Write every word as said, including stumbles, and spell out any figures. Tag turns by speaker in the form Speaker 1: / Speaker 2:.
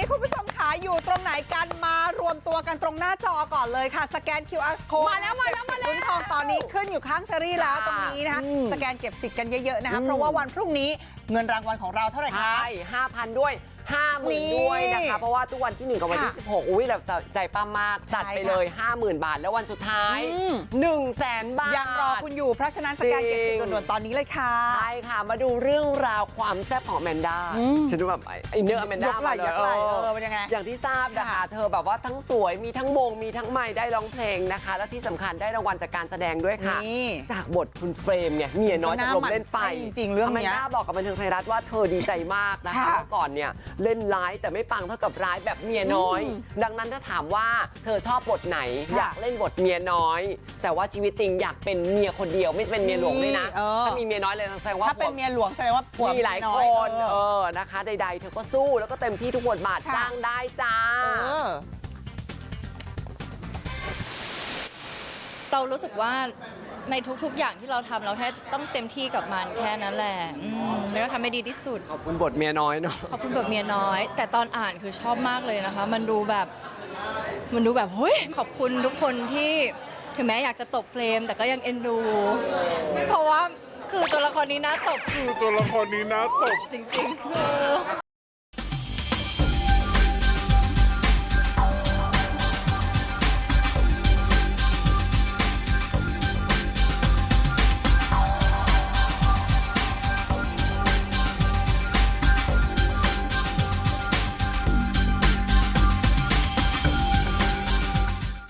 Speaker 1: คุณผู้ชมขาอยู่ตรงไหนกันมารวมตัวกันตรงหน้าจอก่อนเลยค่ะสแกน คิว อาร์ code
Speaker 2: มาแล้วมาแล้วมาแล้ว
Speaker 1: ลุ้นทองตอนนี้ขึ้นอยู่ข้างเชอรี่แล้วตรงนี้นะคะสแกนเก็บสิทธิ์กันเยอะๆนะคะเพราะว่าวันพรุ่งนี้เงินรางวัลของเราเท่าไหร่คะ
Speaker 2: ใช่ห้าพันด้วยห้าหมื่นด้วยนะคะเพราะว่าทุกวันที่หนึ่งกับวันที่สิบหกอุ้ยเราใจปั้มมากจัดไปเลย ห้าหมื่น บาทแล้ววันสุดท้าย หนึ่งแสน บาท
Speaker 1: ยังรอคุณอยู่เพราะฉะนั้นสแกนเก็บสิทธิ์ด่วนๆตอนนี้เลยค่ะ
Speaker 2: ใช่ค่ะมาดูเรื่องราวความแซ่บของแมนด้าฉันดูแบบไอเนื้อแมนด้าย
Speaker 1: กไหล่ยกไหล่เออเป็นยังไง
Speaker 2: อย่างที่ทราบนะคะเธอแบบว่าทั้งสวยมีทั้งมงมีทั้งไม้ได้ร้องเพลงนะคะและที่สำคัญได้รางวัลจากการแสดงด้วยค่ะจากบทคุณเฟรมเนี่ยเมียน้อยจากลมเล่นไฟ
Speaker 1: จริงๆเรื่องนี้
Speaker 2: แมนด้าบอกกับบันเทิงไทยรัฐว่าเธอดีใจมากนะคะเมื่อก่อนเนี่ยเล่นร้ายแต่ไม่ปังเท่ากับร้ายแบบเมียน้อยดังนั้นถ้าถามว่าเธอชอบบทไหนอยากเล่นบทเมียน้อยแต่ว่าชีวิตจริงอยากเป็นเมียคนเดียวไม่เป็นเมียหลวงด้วยนะถ้ามีเมียน้อยเลยแสดงว่า
Speaker 1: ถ้าเป็นเมียหลวงแสดงว่า
Speaker 2: มีหลายคนเออนะคะใดๆเธอก็สู้แล้วก็เต็มที่ทุกบทบาทจ้างได้จ้า
Speaker 3: เรารู้สึกว่าในทุกๆอย่างที่เราทำเราแค่ต้องเต็มที่กับมันแค่นั้นแหละแล้วก็ทำให้ดีที่สุด
Speaker 2: ขอบคุณบทเมียน้อยเนาะ
Speaker 3: ขอบคุณบทเมียน้อยแต่ตอนอ่านคือชอบมากเลยนะคะมันดูแบบมันดูแบบเฮ้ยขอบคุณทุกคนที่ถึงแม้อยากจะตบเฟรมแต่ก็ยังเอ็นดูเพราะว่าคือตัวละครนี้น่าตบ
Speaker 4: คือตัวละครนี้น่าตบ
Speaker 3: จริงๆคือ